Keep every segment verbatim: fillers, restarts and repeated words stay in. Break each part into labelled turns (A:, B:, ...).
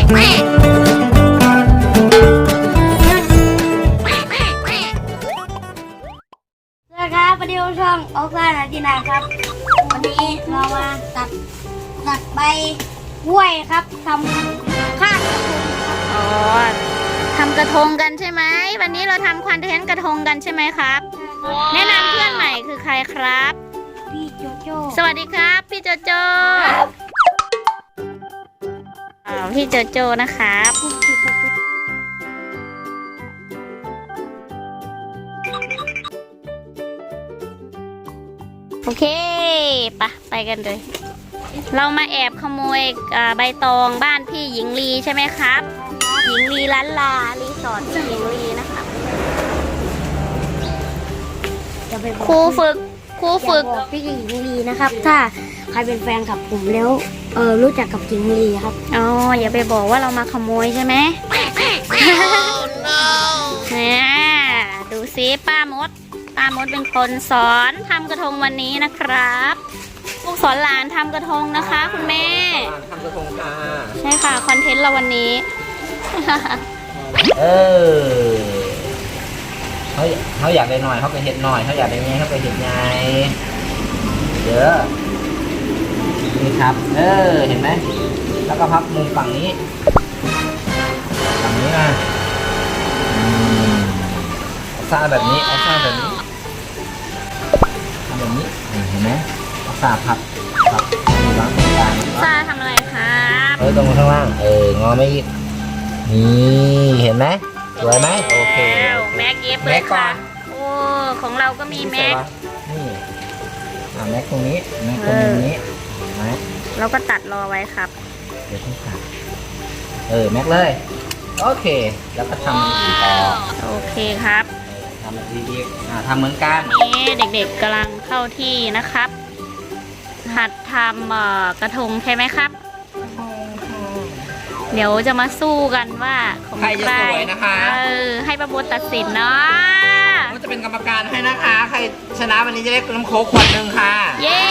A: ครับวันนี้ช่องออกซ่านาทีนาครับวันนี้เรามาตัดตัดใบกล้วยครับทำข้าวกระทง
B: อ๋อทำกระทงกันใช่ไหมวันนี้เราทำคอนเทนต์กระทงกันใช่ไหมครับแนะนำเพื่อนใหม่คือใครครับ
A: พี่โจโจ้
B: สวัสดีครับพี่โจโจ้อ๋อพี่โจโจ้นะครับโอเคปะไปกันเลยเรามาแอบขโมยใบตองบ้านพี่หญิงลีใช่ไหมครับหญิงลีล้านลารีสอร์ทพี่หญิงลีนะคะครูฝึกครูฝึก
A: พี่หญิงลีนะครับถ้าใครเป็นแฟนกับผมแล้วเออรู้จักกับหญิงลีครับ
B: อ๋ออย่าไปบอกว่าเรามาขโมยใช่ไหมเนี่ยดูซิป้ามดป้ามดเป็นคนสอนทำกระทงวันนี้นะครับลูกสอนหลานทำกระทงนะคะคุณแม่
C: ทำกระทงค่ะ
B: ใช่ค่ะคอนเทนต์เราวันนี้
C: เออเขาเขาอยากได้หน่อยเขาก็เห็ดหน่อยเขาอยากได้ไงเขาก็เห็ดไงเดี๋ยวนี่ครับเออเห็นไหมแล้วก็พับมุมฝั่งนี้ฝั่งนี้นะเอาซ่าแบบนี้เอาซ่าแบบนี้ทำแบบนี้เห็นไหมเอาซ่าพับพับวางตรงกลาง
B: ซ่าทำอะไรครับ
C: เออตรงข้างล่างเอองอไม่อีกนี่เห็นไหมสวยไหมโอเค
B: แม็กเย็บเลยค่ะโอ้ของเราก็มีแม็ก
C: นี่อ่าแม็กตรงนี้แม็กตรงนี้ไหม
B: เราก็ตัดรอไว้ครับ
C: เดี๋ยวต้องตัดเออแม็กเลยโอเคแล้วก็ทำอีกต่อ
B: โอเคครับ
C: ทำอีกอ่าทำเหมือนกัน
B: นี่เด็กๆกำลังเข้าที่นะครับหัดทำกระทงใช่ไหมครับเดี๋ยวจะมาสู้กันว่าของ
C: ใครจะสวยนะคะ
B: เออให้ประบดตัดสินเนาะ
C: ก็จะเป็นกรรมการให้นะคะใครชนะวันนี้จะได้น้ำโค้กขวดหนึ่งค่ะ
B: เย้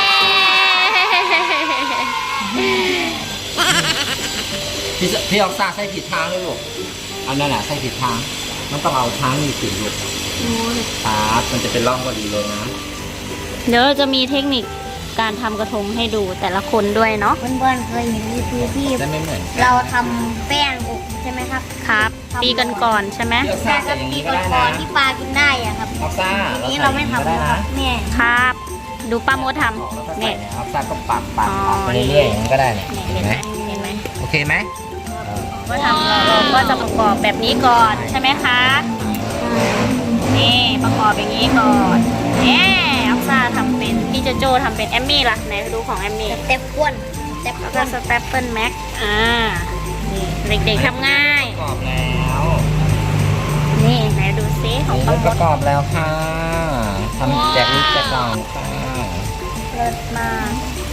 C: พี่พี่เอาซากใส่ผิดทางเลยลูกอันนั้นแหละใส่ผิดทางมันต้องเอาทางนี้ติดลูกครับมันจะเป็นร่องพอดีเลยนะ
B: เดี๋ยวเราจะมีเทคนิคการทำกระทงให้ดูแต่ละคนด้วยเนาะ
A: เพื่อนๆเคยเห็นรีวิวที่เราทำแป้งอบใช่ไหมครับ
B: ครับปีกันก่อนใช่ไหม
C: ใช่ครับ
A: ปีกันก่อนที่ปลากินได้อะครับ
C: อัลซ่า
A: อันนี้เราไม่ทำนะครับแม่
B: ครับดูป้าโมทำ
C: เนี่ยอัลซ่าก็ปักปักปักไปเรื่อยๆอย่างนี้ก็ได้เนี่ยเห็นไหม
B: เห็นไหม
C: โอเคไหม
B: ก็ทำเราก็จะประกอบแบบนี้ก่อนใช่ไหมคะนี่ประกอบอย่างนี้ก่อนเนี่ยอัลซ่าทำเป็นพี่โจโจทำเป็นแอมมี่ล่ะไหนดูของแอมมี่
A: สเต็ปก้วน
B: สเต็ปก็สเต็ปเปิลแม็กอ่านี่เด็กๆทำง่าย
C: ประกอบแล้ว
B: นี่ไหนดูซิของป้ามด
C: ประกอบแล้วค่ะทำแจกลูกแจกหลานค่ะ
B: เลิศมาก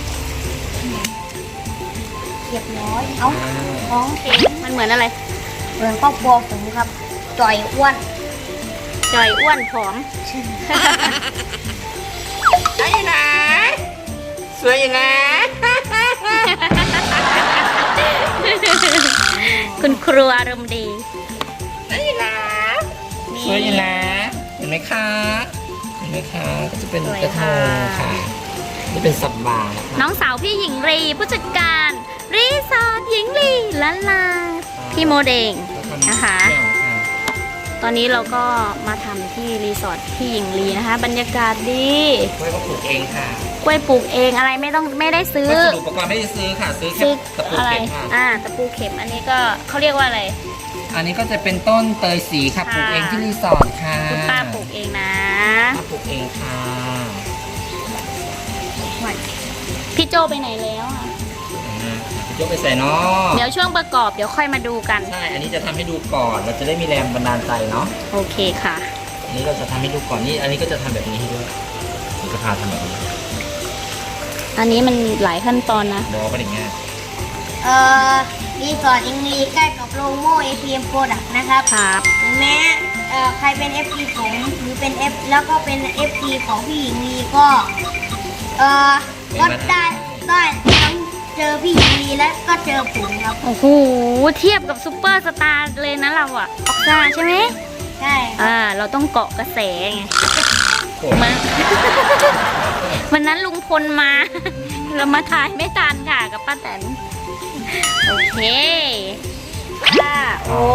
A: เรียบร้อยเอา
B: ของเข็มมันเหมือนอะไร
A: เหมือนครอบครัวผมครับจ่อยอ้วน
B: จ่อยอ้วนผอม
C: ได้นะสวยอยู่นะ
B: คุณครูอารมณ์ดี
C: ได้นะสวยอยู่นะเห็นไหมคะเห็นไหมคะก็จะเป็นกระทงค่ะนี่เป็นสับบา
B: น้องสาวพี่หญิงรีผู้จัดการรีสอร์ทหญิงลีล้านลาพี่โมเดงนะคะตอนนี้เราก็มาทำที่รีสอร์ทพี่หญิงลีนะคะบรรยากาศดี
C: กล้วยปลูกเองค่ะ
B: กล้วยปลูกเองอะไรไม่ต้องไม่ได้ซื้อ
C: วัสดุอุปกรณ์ไม่ได้ซื้อค่ะซื้อแค่ตะปูเข็มค่ะ
B: อ่าตะปูเข็มอันนี้ก็เขาเรียกว่าอะไร
C: อันนี้ก็จะเป็นต้นเตยสีค่ะปลูกเองที่รีสอร์ทค่ะ
B: คุณป้าปลูกเองนะ
C: ป้าปลูกเองค่ะ
B: พี่โจไปไหนแล้วอ่ะ
C: ยกไปใส่เนาะ
B: เดี๋ยวช่วงประกอบเดี๋ยวค่อยมาดูกัน
C: ใช่อันนี้จะทำให้ดูก่อนเราจะได้มีแรงบันดาลใจเนาะ
B: โอเคค่ะ
C: อันนี้เราจะทำให้ดูก่อนนี่อันนี้ก็จะทำแบบนี้ให้ด้วยผมจะพาทำแบบนี้
B: อันนี้มันหลายขั้นตอนนะ
C: บอกไปอย่างเงี้ย
A: เอ่อรีสอร์ทอิงลีใกล้กับโลโม่ เอ พี เอ็ม Product นะครับ
B: ครับ
A: แม้เอ่อใครเป็น เอฟ ซี ผมหรือเป็น F แล้วก็เป็น เอฟ ซี ของพี่หญิงลีก็เอ่อก็ได้ได้ทั้งเจอพี่หญิงลีและก็เจอผมครับ
B: โอ้โหเทียบกับซูเปอร์สตาร์เลยนะเราอะออกซ่าใช่ไหม
A: ใช่
B: อ่าเราต้องเกาะกระแสไง
C: โอ้
B: มัน วันนั้นลุงพลมา เรามาถ่ายไม่ทันค่ะกับป้าแตนโอเคค่ะโอ้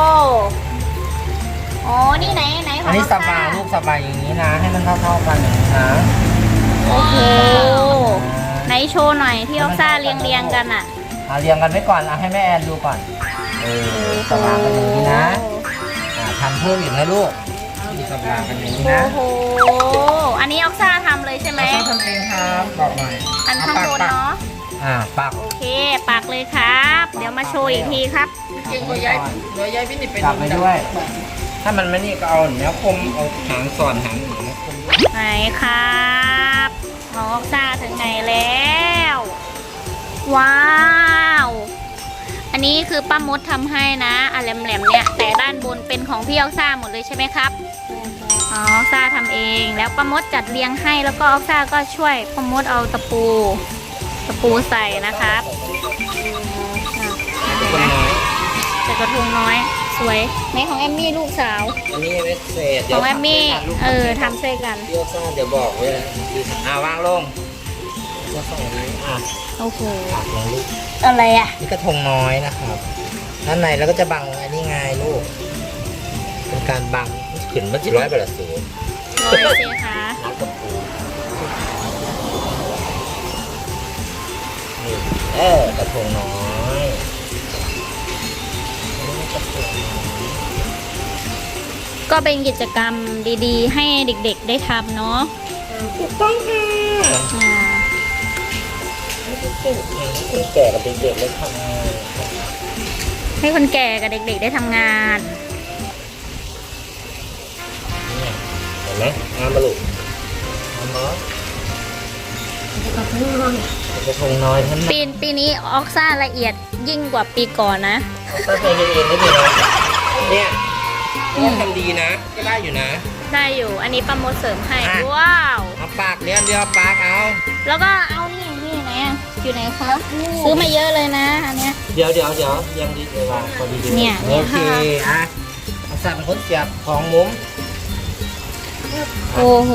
B: โอ้นี่ไหนไหนข
C: อั
B: อน ง
C: นี้
B: ออก
C: ส
B: ซ่า
C: บายลูกสบายอย่างนี้นะ ให้มันเท่าๆกันอย่างนี้นะ
B: โอ้โหไหนโชว์หน่อยที่ออกซ่าเรียงเรียงๆกันอะ
C: เอาเรียงกันไว้ก่อนเอาให้แม่แอนดูก่อนเออสบายกันอย่างนี้นะอ่าทำเพิ่มอีกนะลูกสบายกันอย่างนี้นะ
B: โอ้โหอันนี้ออกซ่าทำเลยใช่ไหม
C: เราต้องทำเองครับบอกหน่อย
B: อันข้างบนเนาะ
C: อ่าปัก
B: โอเคปักเลยครับ เดี๋ยวมาโชว์อีกทีครับ
C: เก่งกว่าย้ายกว่าย้ายพี่นี่เป็นปักไปด้วย ถ้ามันไม่นี่ก็เอาแนวคมเอาหางสอนหางหนูนะคมด้วย
B: ไหนครับน้องออกซ่าถึงไหนแล้ว ว้าว อันนี้คือป้ามดทำให้นะอะแหลมๆเนี่ยแต่ด้านบนเป็นของพี่ออกซ่าหมดเลยใช่ไหมครับอ๋อออกซ่าทำเองแล้วป้ามดจัดเรียงให้แล้วก็ออกซ่าก็ช่วยป้ามดเอาตะปูตะปูใส่นะครับอ่ะ
C: คนน้อย
B: ใส่กระทงน้อยสวยในของแอมมี่ลูกสาว
C: อันนี้ไม่เศษ
B: ของแอมมี่เออทำใส่กัน
C: เดี๋ยวซ่าเดี๋ยวบอกไว้เลยอ่าวางลงก็ส่งนี้อ่ะ
B: โอ้โห
C: ปักลงลูก
B: อะไรอ่ะ
C: นี่กระทงน้อยนะครับด้านในแล้วก็จะบังอันนี้ไงลูก เป็นการบังขึ้นมาจีร้อยบาทสูง
B: ลอยสิคะ
C: น้ำกระปูนี่เออกระทงน้อยอันนี้กระทงน้อย
B: ก็เป็นกิจกรรมดีๆ ให้เด็กๆได้ทำเนาะ
C: ถูกต้องค่ะ
B: อ่า
C: คนแก่กับเด็กๆเลยทำงาน
B: ให้คนแก่กับเด็กๆได้ทำงาน
C: เนี่ยเห็นไหมงานบรรลุงานน้อยกระทงน้อยท่าน
B: ปีปีนี้ออกซ่าละเอียดยิ่งกว่าปีก่อนนะ
C: ตั้งใจเองได้ดีนะเนี่ยก็ทำดีนะ ก็ได้อยู่นะ
B: ได้อยู่อันนี้ป้ามดเสริมให้
C: อ่ะ
B: ว้าว
C: เอาปากเลี้ยงเดียวปากเอา
B: แล้วก็เอานี่นี่ไหนอะอยู่ไหนคะซื้อมาเยอะเลยนะอันเนี้ย
C: เดี๋ยวเดี๋ยวเดี๋ยวยังดีเลยวางพอดีดี
B: เนี่ย
C: โอเคอ่ะเอาสับเป็นคนเสียบของมุ้ม
B: โอ้โห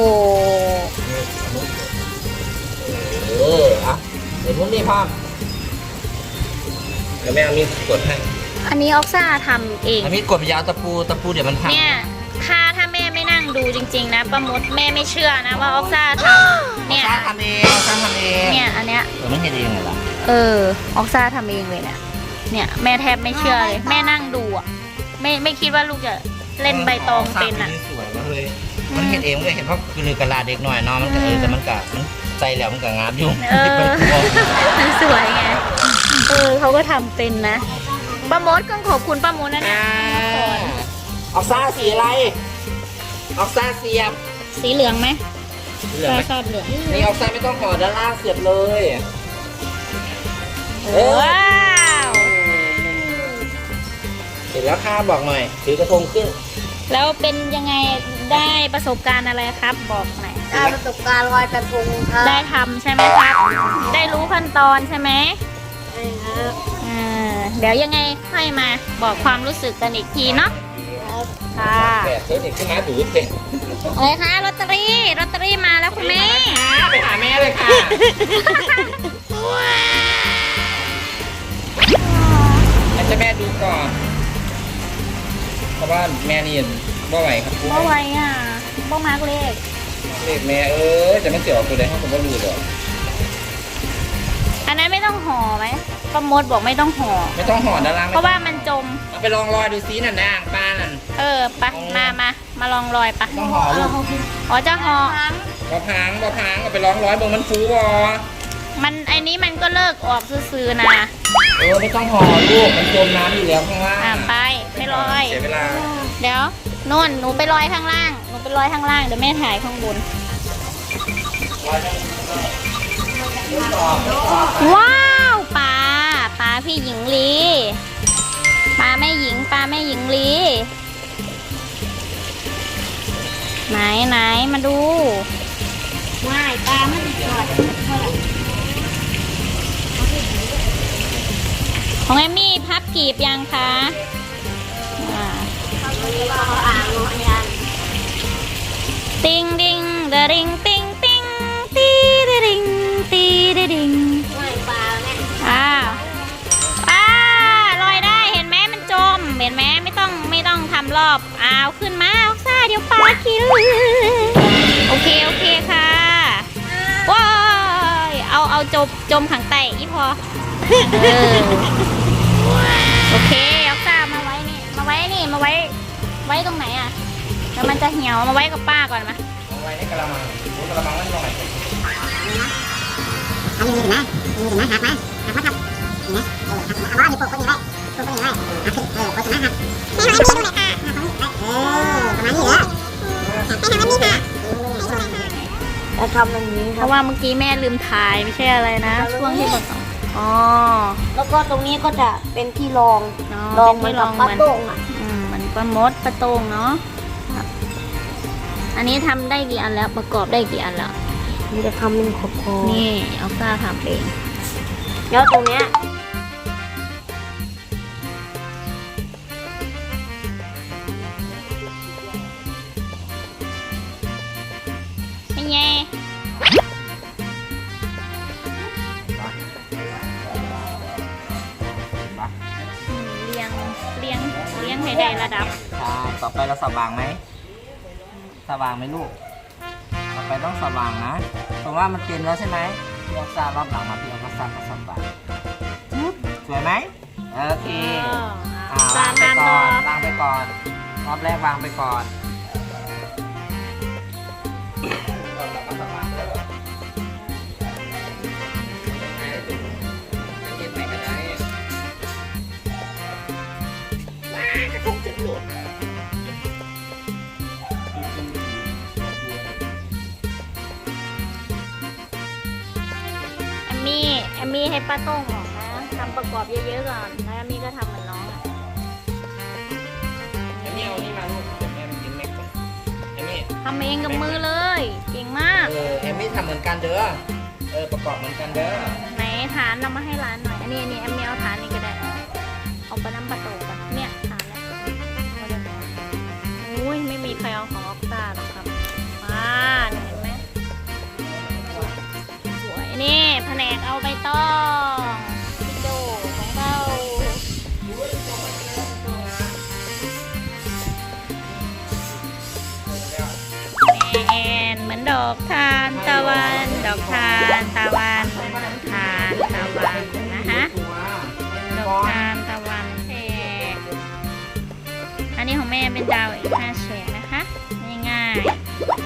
C: เอออ่ะเดี๋ยวมุ้มนี่พ่อมเดี๋ยวแม่เอามีดกดให้
B: อันนี้ออกซ่าทำเอง
C: เอามีดกดไปยาวตะปูตะปูเดี๋ยวมันพัง
B: เนี่ยถ้าถ้าแม่ไม่นั่งดูจริง ๆ นะป้ามดแม่ไม่เชื่อนะว่าออกซ่าทำเนี่ย
C: สร้างทำเองสร้างทำเอง
B: เนี่ยอันเนี้ย
C: เออไม่เห็นเองเหรอ
B: เออออกซ่าทำเองเลยเนี่ย เนี่ยแม่แทบไม่เชื่อเลย แม่นั่งดูอ่ะ ไม่ไม่คิดว่าลูกจะเล่นใบตองเป็นอ่ะ
C: สวยมากเลย มันเห็นเองมันก็เห็นเพราะคือลือกระลาเด็กหน่อยเนาะมันก็เออแต่มันก็มันใจแล้วมันก็งามอยู่
B: เออ มันสวยไง เออเขาก็ทำเป็นนะป้ามดก็ขอบคุณป้ามดนะเนี่ย
C: อ่าออกซ่าสีอะไร ออกซ่าเสียบ
B: สีเหลืองไหม
C: เหลืองไหม
B: ชอบเหลือง
C: นี่ออกซ่าไม่ต้องห่อด้านล่างเสียบเลย
B: ว้าว
C: เสร็จแล้วค่ะบอกหน่อยถือกระทงขึ้น
B: แล้วเป็นยังไงได้ประสบการณ์อะไรครับ บอกหน่อย
A: ได้ประสบการณ์ลอยกระทงครับ
B: ได้ทำใช่ไหมครับ ได้รู้ขั้นตอนใช่ไหม
A: ใช่ครับ
B: อ่าเดี๋ยวยังไงค่อยมาบอกความรู้สึกกันอีกทีเนาะค่ะ
C: แปดเฮ้ยเด็กขึ้นมาดูดเต็ม
B: อะไรคะลอตเตอรี่ลอตเตอรี่มาแล้วคุณแม่
C: ไปหาแม่เลยค่ะให้เจ้าแม่ดูก่อน เพราะว่าแม่นี่บ่ไหวครับ
B: บ่ไหวอ่ะบ่มากเลข
C: เด็กแม่เออแต่มันเสียวตัวใดให้ผมก็รู้ดอก
B: อันนั้นไม่ต้องห่อไหมป้ามดบอกไม่ต้องห่อ
C: ไม่ต้องห่อด้านล่าง
B: เพราะว่ามันจม
C: เอาไปลองรอยดูซิน่ะนะอ่างปลานั่น
B: เออไปะมามามาลองรอยปะ
C: ต้องห่อลูก
B: อ๋อจะห่อ
C: บ่พังบ่พังเอาไปลองร้อยเบิ่งมันฟูบ่
B: มันไอ้นี้มันก็เลิกออกซื่อๆนะ
C: เออไม่ต้องห่อลูกมันจมน้ำอยู่แล้วข้างล่าง
B: อ่ะไปไปลอย
C: เสียเวลา
B: เดี๋ยวนู่นหนูไปลอยข้างล่างหนูไปลอยข้างล่างเดี๋ยวแม่ถ่ายข้างบน ว้าวปลาปลาพี่หญิงลีปลาแม่หญิงปลาแม่หญิงลีไหนไหนมาดู
A: ง่ายปลาไม่ติดก่อนเท่าไหร่
B: ของเอมมี่พับกีบยังคะอ่า
A: อ่างนยัน
B: ติงดิงเดริงติงติงตีเดริงตีเดริง
A: ไม่ปลาแม่
B: อ้าวอ้าลอยได้เห็นไหมมันจมเห็นไหมไม่ต้องไม่ต้องทำรอบอ้าวขึ้นมาออกซ่าเดี๋ยวปลากินโอเคโอเคค่ะว้ายเอาเอาจมจมขังไตอีพอเออโอเคออกซ่ามาไว้นี่มาไว้นี่มาไว้ไว้ตรงไหนอ่ะแล้วมันจะเหี่ยวมาไว้กับป้าก่อนมา
C: เอาไว้ในกระมังโอ้กระมังนั่นลงไหน
D: อันนี้เห็นไหมอันนี้เห็นไหมหักไหมหักไหมครับเห็นไหมเออหักเอาว่ามีปกคนอยู่ได้ปกคนอยู่ได้หักขึ้นเออโฆษณาหักแม่ทำให้มีดูหน่อยค่ะหักของเออประมาณนี้เหรอแม่ทำให้มีค่ะ
A: จะทำแบบนี้
B: เพ
A: ครับ
B: ราะว่าเมื่อกี้แม่ลืมถ่ายไม่ใช่อะไรนะ ช่วงที่บอกต่ออ๋อ
A: แล้วก็ตรงนี้ก็จะเป็นที่รอง
B: อ๋อ
A: รอง
B: เป็น
A: เหมือน
B: ที่
A: กับ
B: รอง
A: ปลาโต้งอ่ะ
B: อืมเหมือนปลามดปลาโตงเนาะครับอันนี้ทำได้กี่อันแล้วประกอบได้กี่อันแล้ว
A: มันจะทำเป็นขอบคอ
B: นี่เอาซ่าทำเอง
A: แล้วตรงเนี้ย
B: เป็นไงอืมเลี้ยงเลี้ยงเลี้ยงให้ได้ระดับ
C: ใช่ต่อไปเราสว่างไหมสว่างไหมลูกต่อไปต้องสว่างนะเพราะว่ามันเต็มแล้วใช่ไหมพี่เอาซารอบหลังมาพี่เอาก็ซักก็สว่างสวยไหมโอเคอ่า
B: จาว
C: าง
B: น
C: ไป
B: ทาน
C: ก่
B: ต่
C: อ
B: อน
C: วางไปก่อนรอบแรกวางไปก่อนเราก็สว่างแล้วเก็บไหนก็ได้ว้ากระทงจะหลุด
B: แอมมี่แอมมี่ให้ป้าโต้งออกนะทำประกอบเยอะๆก่อนแล้วแอมมี่ก็ทำเหมือนน้องอ่ะ
C: เอมี่เอานี่มาลูกเดี๋ยวแม่ไปกินแม็กก่อนเอมี่
B: ทำเองกับมือเลย เก่งมาก
C: เออเอมี่ทำเหมือนกันเด้อเออประกอบเหมือนกันเด้อ
B: ไหนฐานเรามาให้ร้านหน่อย อันนี้อันนี้แอมมี่เอาฐานนี่ก็ได้ เอาไปน้ำปลาโตกันเนี่ยฐานเนี่ยเอาเลยอุ้ยไม่มีใครเอาของออกซ่าหรอกครับมานี่เห็นไหมสวยนี่แผนกเอาใบตองพี่โจของเราแอนเหมือนดอกทานตะวันดอกทานตะวันทานตะวันนะคะดอกทานตะวันแฉกอันนี้ของแม่เป็นดาวอีกห้าแฉกนะคะง่ายๆ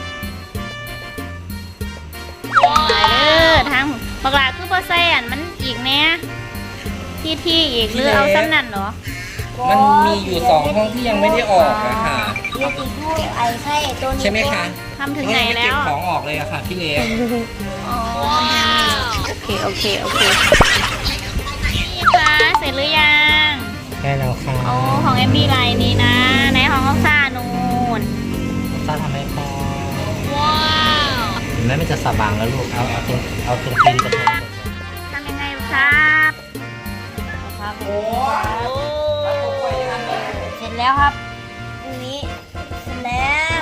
B: ไปเด้อทางบักหลาคือเปอร์เซ็นต์มันอีกเนี้ยที่ที่อีกหรือเอาซ้ำนั่นเหรอ
C: มันมีอยู่สองห้องที่ยังไม่ได้ออกอะค่ะ
A: มีติดด้วยไอ้ไข่ตัวนี้
C: ใช่ไหมคะ
B: ทำถึงไหน
C: ยัม่
B: แล้
C: เก็บ
B: ว
C: ของออกเลยอะค่ะพี่เล็ก
B: อ๋อโอเค โอเค โอเคนี่ค่ะเสร็จหรือยัง
C: ใช่แล้วค่ะ
B: โอ้ของเอมมี่ลายนี้นะไหนของออกซ่านูน
C: ซ่าทำให้พอ
B: ว้าว
C: เห็นไหมมันจะสว่างแล้วลูกเอาเอาตรงเอาตรงตีนกระทง
B: ทำยังไงครับ
A: ครับ
C: โอ้
B: โอ้
A: เสร็จแล้วครับตรงนี้เสร็จแล้ว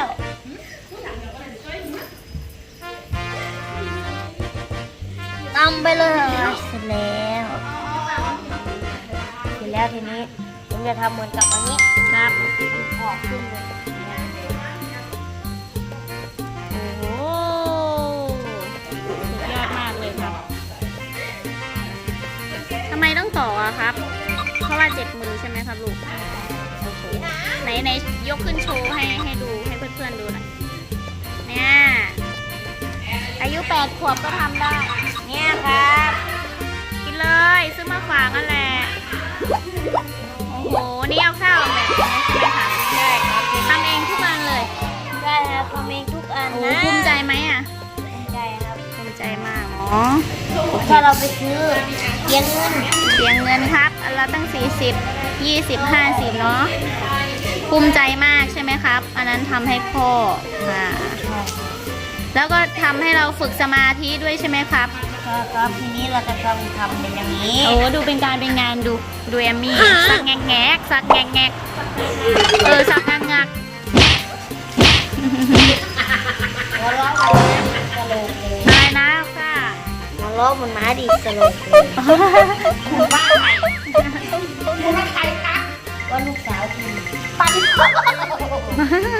A: ตำไปเลยเสร็จแล้วเสร็จแล้วทีนี้ผมจะทำเหมือนกับอันนี้
B: ครับ
A: ออกขึ้นเลย
B: โอ้โหสุดยอดมากเลยครับทำไมต้องต่ออะครับ เพราะว่าเจ็บมือใช่ไหมครับลูกโอ้โหไหนไหนยกขึ้นโชว์ให้ให้ดูให้เพื่อนๆดูหน่อยเนี่ยอายุแปดขวบก็ทำได้
A: เนี่ยครับ
B: กินเลยซื้อมาฝากนั่นแหละโอ้โหนี่เอาข้าวแบบนี้ใช่ไหมคะ
A: ใช่ครับ
B: ทำเองทุกวันเลย
A: ได้ครับทำเองทุกอัน
B: โอ้
A: นะ
B: ภูมิใจไหมอะ
A: ภูมิใจครับ
B: ภูมิใจมากอ๋อ
A: ถ้าเราไปซื้อเลี้ยงเงิน
B: เสียเงินครับอันละตั้งสี่สิบยี่สิบห้าสิบเนาะภูมิใจมากใช่ไหมครับ อันนั้นทำให้พ่อค่ะแล้วก็ทำให้เราฝึกสมาธิด้วยใช่ไหมครับ
A: ครับทีนี้เราจะทำทำเป็นอย่างนี้
B: โอ้ดูเป็นการเป็นงานดูดูแอมมี่สักแงกแงกสักแงกแงกเออสักงักงัก
A: หัวเราะมันสโลว์เลย
B: อะไรนะค่ะ
A: หัวเราะมันมาดีสโลว์เลยบ้าใครคุณว่าใครคะว่าลูกสาวคุณปัน